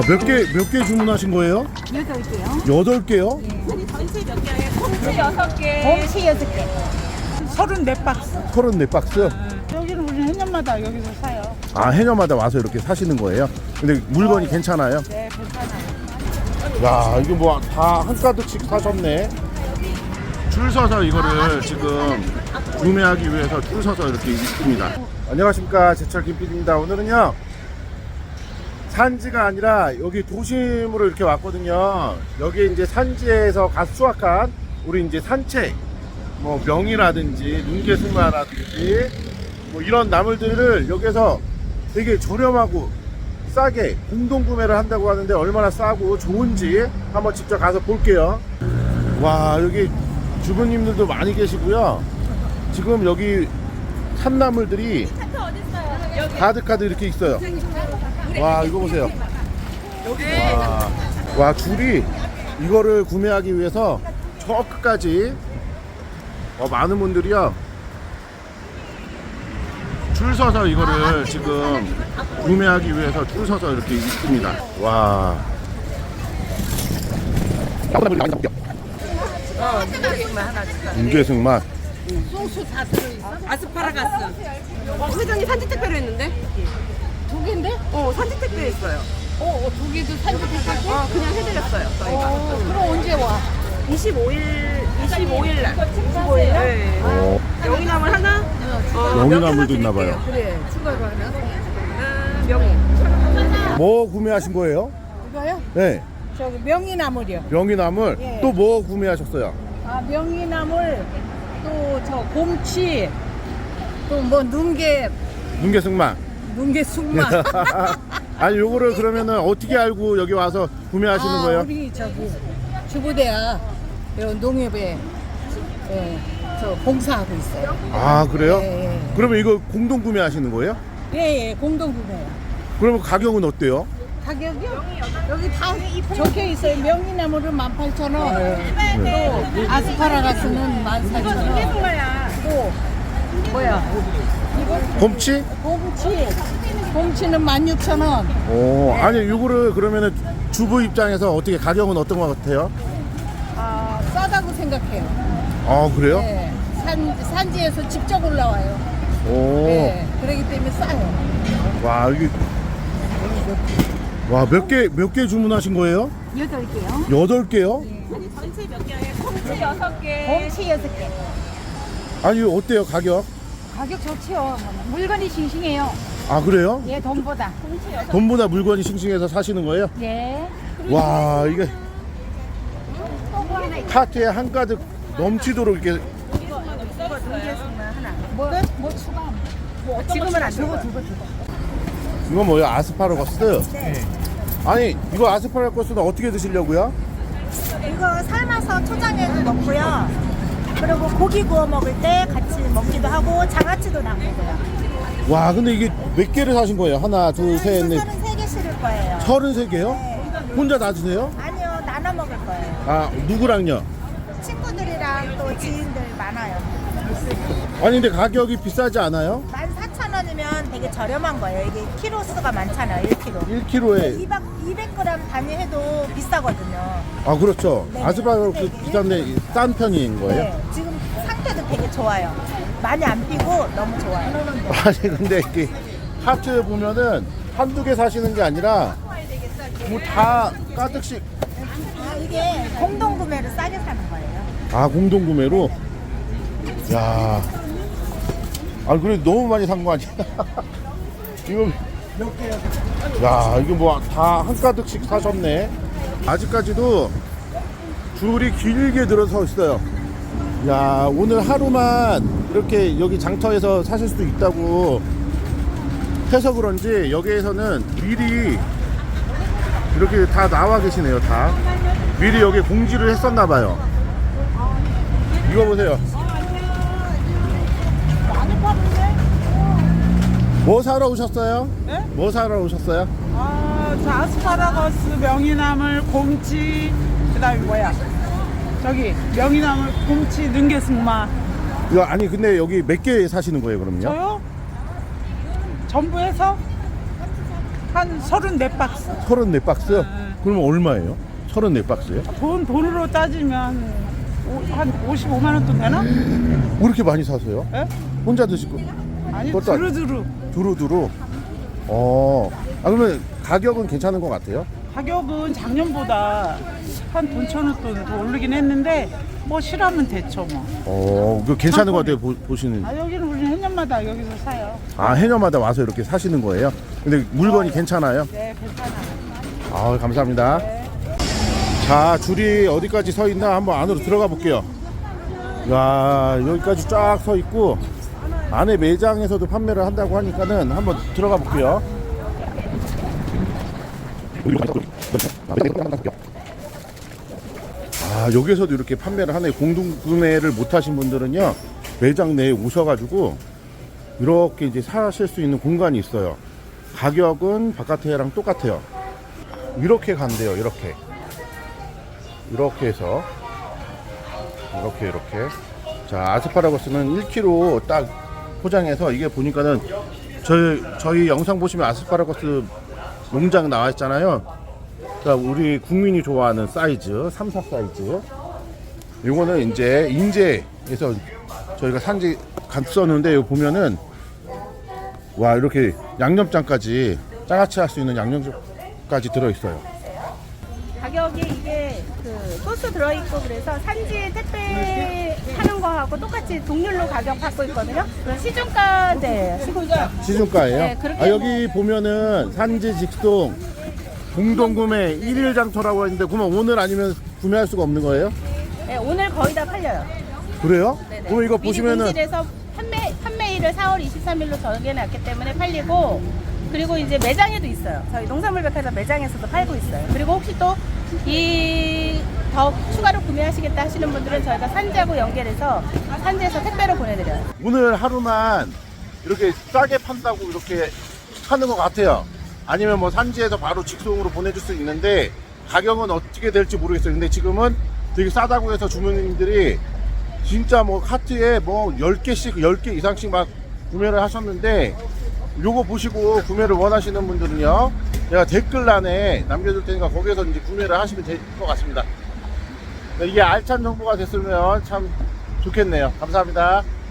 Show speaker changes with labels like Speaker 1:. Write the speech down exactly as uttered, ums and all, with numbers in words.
Speaker 1: 몇 개, 몇 개 주문하신 거예요?
Speaker 2: 여덟 개요.
Speaker 1: 여덟 개요?
Speaker 2: 예.
Speaker 3: 전체 몇 개에 콩치 여섯 개.
Speaker 2: 곰치 여섯 개.
Speaker 4: 서른네 박스.
Speaker 1: 서른네 박스?
Speaker 4: 여기는 우리 해년마다 여기서 사요.
Speaker 1: 아, 해녀마다 와서 이렇게 사시는 거예요? 근데 물건이 괜찮아요?
Speaker 4: 네, 괜찮아요.
Speaker 1: 야, 이거 뭐 다 한가득씩 사셨네. 줄 서서 이거를 지금 구매하기 위해서 줄 서서 이렇게 있습니다. 안녕하십니까, 제철 김피디입니다. 오늘은요, 산지가 아니라 여기 도심으로 이렇게 왔거든요. 여기 이제 산지에서 갓 수확한 우리 이제 산채, 뭐 명이라든지 눈개승마라든지 뭐 이런 나물들을 여기서 되게 저렴하고 싸게 공동 구매를 한다고 하는데 얼마나 싸고 좋은지 한번 직접 가서 볼게요. 와, 여기 주부님들도 많이 계시고요. 지금 여기 산나물들이 가득가득 이렇게 있어요. 와, 이거 보세요. 와, 와, 줄이 이거를 구매하기 위해서 저 끝까지 어, 많은 분들이요 줄 서서 이거를 지금 구매하기 위해서 줄 서서 이렇게 있습니다. 와.
Speaker 3: 어, 눈개승만 하나 주세요.
Speaker 1: 윤계승맛.
Speaker 3: 소스 다 들어있어? 아스파라가스. 어, 회장님 산지 택배로 했는데?
Speaker 2: 두 개인데?
Speaker 3: 어, 산지 택배 했어요.
Speaker 2: 어, 어, 두 개도 산지 택배?
Speaker 3: 어, 그냥 해드렸어요, 저희가.
Speaker 2: 어, 그럼 언제 와?
Speaker 3: 이십오일, 이십오일 날.
Speaker 2: 이십오일 날?
Speaker 3: 네.
Speaker 1: 어,
Speaker 3: 명이나물 하나? 어,
Speaker 1: 명이나물도
Speaker 3: 몇
Speaker 1: 있나
Speaker 3: 개나
Speaker 1: 봐요.
Speaker 2: 그래, 추가로 하나?
Speaker 3: 아, 명이.
Speaker 1: 뭐 구매하신 거예요?
Speaker 2: 이거요?
Speaker 1: 네.
Speaker 2: 저기 명이나물이요.
Speaker 1: 명이나물.
Speaker 2: 예.
Speaker 1: 또 뭐 구매하셨어요?
Speaker 2: 아, 명이나물, 또 저 곰치, 또 뭐 눈개,
Speaker 1: 눈계승맛.
Speaker 2: 눈개 숙마.
Speaker 1: 아니, 요거를 그러면은 어떻게 알고 여기 와서 구매하시는
Speaker 2: 아,
Speaker 1: 거예요?
Speaker 2: 우리 저기 주부대야 요 농협에 예, 저 봉사하고 있어요.
Speaker 1: 아, 그래요?
Speaker 2: 예, 예.
Speaker 1: 그러면 이거 공동 구매하시는 거예요?
Speaker 2: 예, 예, 공동구매야.
Speaker 1: 그러면 가격은 어때요?
Speaker 2: 가격이요? 여기 다 적혀 있어요. 명이나물은 만 팔천 원,
Speaker 1: 네.
Speaker 2: 또 아스파라가스는 만 사천 원, 또 뭐야?
Speaker 1: 곰치?
Speaker 2: 곰치, 곰치는 만 육천 원.
Speaker 1: 오, 아니, 요거를 그러면은 주부 입장에서 어떻게 가격은 어떤 것 같아요?
Speaker 2: 아, 싸다고 생각해요.
Speaker 1: 아, 그래요?
Speaker 2: 네, 산 산지에서 직접 올라와요.
Speaker 1: 오,
Speaker 2: 네, 그렇기 때문에 싸요.
Speaker 1: 와, 이게 와, 몇 개, 몇 개 주문하신 거예요?
Speaker 2: 여덟 개요.
Speaker 1: 여덟 개요?
Speaker 3: 전체 몇 개에 콩치 여섯 개.
Speaker 2: 곰치 여섯 개.
Speaker 1: 아니, 이거 어때요, 가격?
Speaker 2: 가격 좋지요. 물건이 싱싱해요.
Speaker 1: 아, 그래요?
Speaker 2: 예, 돈보다.
Speaker 1: 돈보다 물건이 싱싱해서 사시는 거예요?
Speaker 2: 예.
Speaker 1: 와, 이게 카트에 한가득 넘치도록 이렇게.
Speaker 2: 뭐, 뭐 추가? 뭐
Speaker 3: 지금은 안 되고.
Speaker 1: 이건 뭐예요? 아스파라거스? 네. 아니, 이거 아스파라거스는 어떻게 드시려고요?
Speaker 5: 이거 삶아서 초장에도 넣고요. 그리고 고기 구워 먹을 때 같이 먹기도 하고 장아찌도 담그고요.
Speaker 1: 와, 근데 이게 몇 개를 사신 거예요? 하나, 둘, 셋, 넷.
Speaker 5: 서른세 개 실을 거예요.
Speaker 1: 서른세 개요?
Speaker 5: 네.
Speaker 1: 혼자 다 드세요?
Speaker 5: 아니요, 나눠 먹을 거예요.
Speaker 1: 아, 누구랑요?
Speaker 5: 친구들이랑 또 지인들 많아요.
Speaker 1: 아니, 근데 가격이 비싸지 않아요?
Speaker 5: 만 사천 원이면 되게 저렴한 거예요. 이게 키로수가 많잖아요, 일 킬로그램.
Speaker 1: 일 킬로그램에.
Speaker 5: 이백 그램 단위 해도 비싸거든요.
Speaker 1: 아, 그렇죠.
Speaker 5: 네.
Speaker 1: 아스파라거스
Speaker 5: 근데 이게
Speaker 1: 비싼데 싼 편인 거예요?
Speaker 5: 네, 지금 상태도 되게 좋아요. 많이 안 피고 너무 좋아요.
Speaker 1: 아니, 근데 이렇게 하트 보면은 한두 개 사시는 게 아니라 뭐 다 가득씩.
Speaker 5: 아, 이게 공동 구매로 싸게 사는 거예요.
Speaker 1: 아, 공동 구매로? 야. 아, 그래 너무 많이 산 거 아니야? 이거 야, 이거 뭐 다 한가득씩 사셨네. 아직까지도 줄이 길게 들어서 있어요. 야, 오늘 하루만 이렇게 여기 장터에서 사실 수도 있다고 해서 그런지 여기에서는 미리 이렇게 다 나와 계시네요. 다 미리 여기 공지를 했었나 봐요. 이거 보세요. 뭐 사러 오셨어요?
Speaker 4: 네?
Speaker 1: 뭐 사러 오셨어요?
Speaker 4: 아, 저 아스파라거스, 명이나물, 곰치, 그다음에 뭐야? 저기 명이나물, 곰치, 능개승마.
Speaker 1: 이거 아니 근데 여기 몇 개 사시는 거예요, 그럼요?
Speaker 4: 저요? 전부 해서 한 서른네 박스.
Speaker 1: 서른네 박스?
Speaker 4: 네.
Speaker 1: 그러면 얼마예요? 서른네 박스요?
Speaker 4: 돈, 돈으로 따지면 오- 한 오십오만 원 돈 되나?
Speaker 1: 왜 이렇게 많이 사세요?
Speaker 4: 예?
Speaker 1: 혼자 드시고
Speaker 4: 아니,
Speaker 1: 그것도 아니-
Speaker 4: 두루두루.
Speaker 1: 두루두루. 어. 아 그러면 가격은 괜찮은 것 같아요?
Speaker 4: 가격은 작년보다 한 돈 천 원 돈 더 오르긴 했는데 뭐 실하면 됐죠 뭐.
Speaker 1: 어, 그 괜찮은 것 같아요. 보, 보시는.
Speaker 4: 아 여기는 우리 해년마다 여기서 사요.
Speaker 1: 아 해녀마다 와서 이렇게 사시는 거예요? 근데 물건이 괜찮아요?
Speaker 4: 네, 괜찮아요.
Speaker 1: 아 감사합니다. 자 줄이 어디까지 서 있나 한번 안으로 들어가 볼게요. 야 여기까지 쫙 서 있고 안에 매장에서도 판매를 한다고 하니까는 한번 들어가 볼게요. 아 여기서도 이렇게 판매를 하네. 공동 구매를 못 하신 분들은요 매장 내에 오셔가지고 이렇게 이제 사실 수 있는 공간이 있어요. 가격은 바깥에랑 똑같아요. 이렇게 간대요. 이렇게 이렇게 해서 이렇게 이렇게. 자 아스파라거스는 일 킬로그램 딱 포장해서 이게 보니까는 저희 저희 영상 보시면 아스파라거스 농장 나와 있잖아요. 자 우리 국민이 좋아하는 사이즈 삼, 사 사이즈. 요거는 이제 인제에서 저희가 산지 갔었는데 여기 보면은 와 이렇게 양념장까지 장아찌 할 수 있는 양념장까지 들어있어요.
Speaker 5: 가격이 이게 그 소스 들어있고 그래서 산지 택배 하는 거하고 똑같이 동률로 가격 받고 있거든요. 그럼 시중가인데 시중가.
Speaker 1: 시중가예요?
Speaker 5: 네, 그렇게
Speaker 1: 아 여기 보면은 산지 직송 공동구매 일일 장터라고 했는데 그러면 오늘 아니면 구매할 수가 없는 거예요?
Speaker 5: 네, 오늘 거의 다 팔려요.
Speaker 1: 그래요?
Speaker 5: 네네.
Speaker 1: 그러면 이거
Speaker 5: 미리
Speaker 1: 보시면은
Speaker 5: 공실에서 판매 판매일을 사월 이십삼일로 정해놨기 때문에 팔리고 그리고 이제 매장에도 있어요. 저희 농산물백화점 매장에서도 팔고 있어요. 그리고 혹시 또 이 더 추가로 구매하시겠다 하시는 분들은 저희가 산지하고 연결해서 산지에서 택배로 보내드려요.
Speaker 1: 오늘 하루만 이렇게 싸게 판다고 이렇게 하는 것 같아요. 아니면 뭐 산지에서 바로 직송으로 보내줄 수 있는데 가격은 어떻게 될지 모르겠어요. 근데 지금은 되게 싸다고 해서 주문님들이 진짜 뭐 카트에 뭐 열 개씩 열 개 이상씩 막 구매를 하셨는데 요거 보시고 구매를 원하시는 분들은요 제가 댓글란에 남겨둘 테니까 거기에서 이제 구매를 하시면 될 것 같습니다. 이게 알찬 정보가 됐으면 참 좋겠네요. 감사합니다.